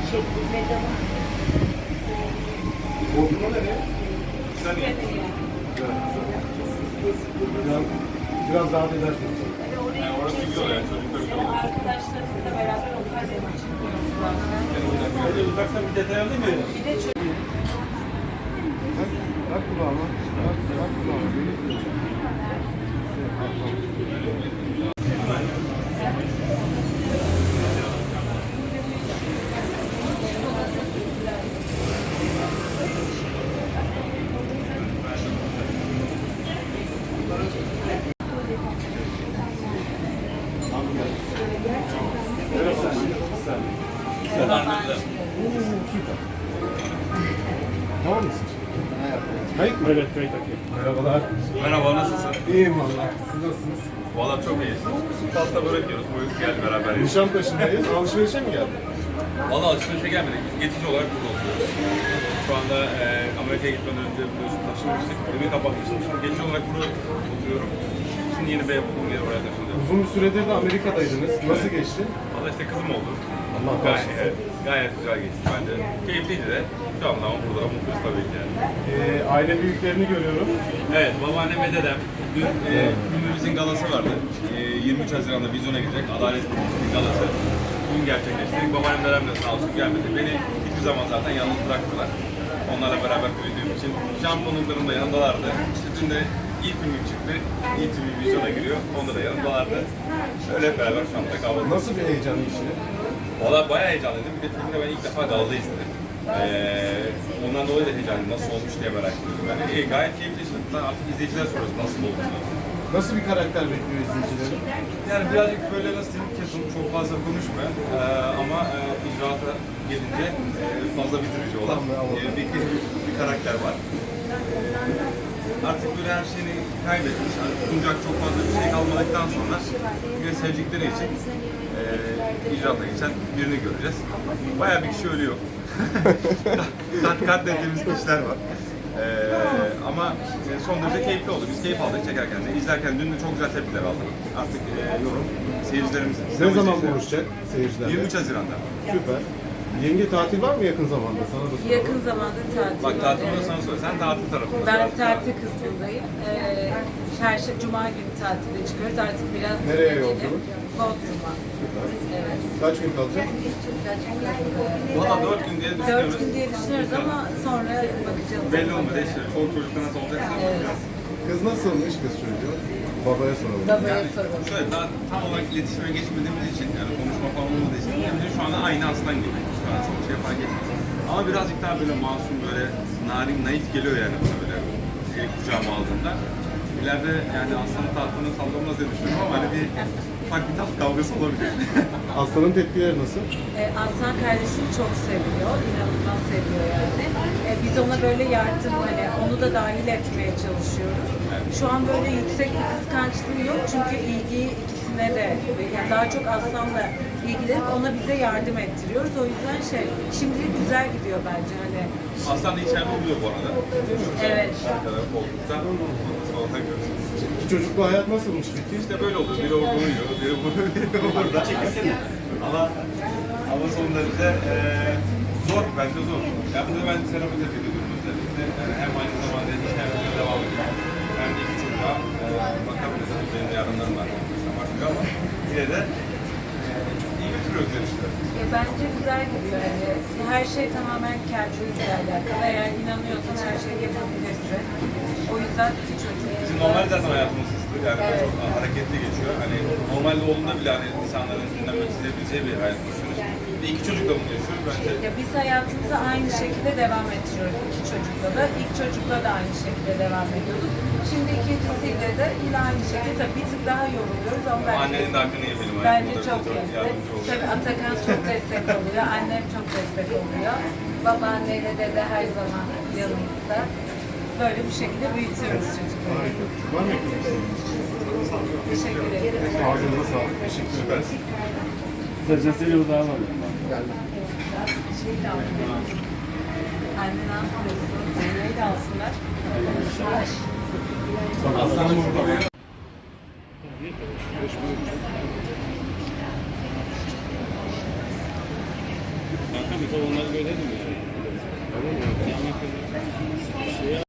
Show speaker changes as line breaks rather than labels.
Bodrum'a nereye? Saniye. Biraz daha edersiniz.
Yani orası güzel yani çocuklar güzel olur.
Arkadaşlarımızla beraber onlar da çıkıyoruz.
Hadi uzaktan bir detay alayım mı?
Bir de çocuk.
Bak kulağıma. Bak kulağıma. Süper. Tamam mısın? Kayıt mı?
Evet, kayıt takayım.
Merhabalar.
Merhaba, nasılsın?
İyiyim valla. Siz nasılsınız?
Valla çok iyiyiz. Pasta börek yiyoruz, buyur gel beraber yiyelim.
Nişantaşı'ndayız. Alışverişe mi geldin?
Valla alışverişe gelmedik, biz geçici olarak burada oturuyoruz. Şu anda Amerika'ya gitmeden önce biliyorsun taşınmıştık, evi kapatmıştım. Şimdi geçici olarak burada oturuyorum. Şimdi yeni bir ev bulduğum yere oraya taşınıyorum.
Uzun bir süredir de Amerika'daydınız. Nasıl geçti?
Valla işte kızım oldu.
Allah
Gayet,
bağışlasın.
gayet güzel geçti bence. Keyifliydi de. Şu anda ama burada mutluyuz tabii ki yani.
Aile büyüklerini görüyorum.
Evet, babaannem ve dedem. Dün filmimizin galası vardı. 23 Haziran'da vizyona girecek. Adalet Partisi'nin galası. Bugün gerçekleştirdik. Babaannem dedem de sağ olsun gelmedi. Beni hiçbir zaman zaten yalnız bırakmıyorlar. Onlarla beraber büyüdüğüm için. Şampiyonluklarım da yanındalardı. İşte dün de ilk filmim çıktı. İlk filmi vizyona giriyor. Onda da yanındalardı. Öyle hep beraber şu anda kahvaltı.
Nasıl bir heyecanlı işini?
Valla bayağı heyecanlıydım. Bir de filmde ben ilk defa galada izledim. Ondan dolayı da heyecanlıyım. Nasıl olmuş diye merak ediyorum. Yani gayet keyifli işte. Artık izleyiciler soruyoruz nasıl oldu.
Nasıl bir karakter bekliyor izleyicileri?
Yani birazcık böyle nasıl diyeyim, kesin çok fazla konuşmayan ama icraata gelince fazla bitirici olan bir karakter var. Artık böyle her şeyini kaybetmiş, artık sunacak çok fazla bir şey kalmadıktan sonra bir sevdikleri için icraata geçen birini göreceğiz. Bayağı bir kişi ölüyor. Katlettiğimiz kişiler var. Ama son derece keyifli oldu. Biz keyif aldık çekerken de. İzlerken dün de çok güzel tepkiler aldık. Artık yorum seyircilerimizin.
Ne zaman buluşacak seyircilerle?
23 Haziran'da.
Süper. Yenge tatil var mı yakın zamanda? Sana da soralım.
Yakın zamanda tatil
Bak
var,
tatilde
evet.
sana söyle. Sen tatil tarafında.
Ben tatil kısmındayım. Cuma günü tatile çıkıyoruz. Artık biraz
Nereye
dinlenelim.
yolculuk?
Bodrum'a. Evet.
Kaç gün kalacak?
Valla 4 gün diye düşünüyoruz.
4 gün diye düşünüyoruz ama sonra bakacağız.
Belli olmadı işte. Çoluk çocukta nasıl olacaksa bakacağız.
Kız nasılmış kız çocuğu? Babaya soralım.
Babaya soralım.
Şöyle daha tam olarak iletişime geçmediğimiz için yani konuşma falan olmadığı için yani şu anda aynı aslan gibi. Şu an çok şey fark etmiyor. Ama birazcık daha böyle masum, böyle narin, naif geliyor yani bana böyle kucağıma aldığında. İleride yani aslanın tahtını sallamaz diye düşünüyorum ama hani bir ufak bir taht kavgası olabilir.
Aslanın tepkileri nasıl?
Aslan kardeşini çok seviyor, inanılmaz seviyor yani. Biz ona böyle yardım, hani onu da dahil etmeye çalışıyoruz. Şu an böyle yüksek bir kıskançlığı yok çünkü ilgiyi ikisine de, yani daha çok Aslan'la ilgilenip ona bize yardım ettiriyoruz. O yüzden şimdilik güzel gidiyor bence hani.
Aslan da içeride oluyor bu arada.
Evet.
Arkada koltukta. Sonra görüşürüz.
İki çocuklu hayat nasılmış peki?
İşte böyle olur. Biri orada uyuyor, biri burada. Ama son derece zor, bence zor. Ya bunu ben terapi ediyorum özellikle. Yani hem aynı zamanda işlemlere devam ediyorum. Hem de iki çocuğa bakabiliriz. Benim yarınlarım var. Baktık ama yine de iyi götürüyoruz diye düşünüyorum.
Bence güzel gidiyor. Yani her şey tamamen kendinizle alakalı. Eğer inanıyorsan her şeyi yapabilirsin. O yüzden iki çocuk.
Bizim normal zaten hayatımız hızlı. Yani çok hareketli geçiyor. Hani normalde olduğunda bile hani insanların dinlemek isteyebileceği bir hayat yaşıyoruz. Ve iki çocukla bunu yaşıyoruz bence.
Ya biz hayatımıza aynı şekilde devam ettiriyoruz iki çocukla da. İlk çocukla da aynı şekilde devam ediyorduk. Şimdi ikincisiyle de yine aynı şekilde. Tabii bir tık daha yoruluyoruz ama
Annenin de hakkını yemeyelim.
bence çok iyi. Tabii Atakan çok destek oluyor. Annem çok destek oluyor. Babaanneyle dede her zaman yanımızda. Böyle bir şekilde büyütüyoruz çocukları.
Harika. Var mı eklemek?
Teşekkür ederim.
Ağzınıza sağlık. Teşekkür ederiz.
Sözcüsüyle uzağa var.
Annen almıyorsun. Zeynep'i de alsınlar.
Aslan burada.
Kanka
bir onları görelim yani.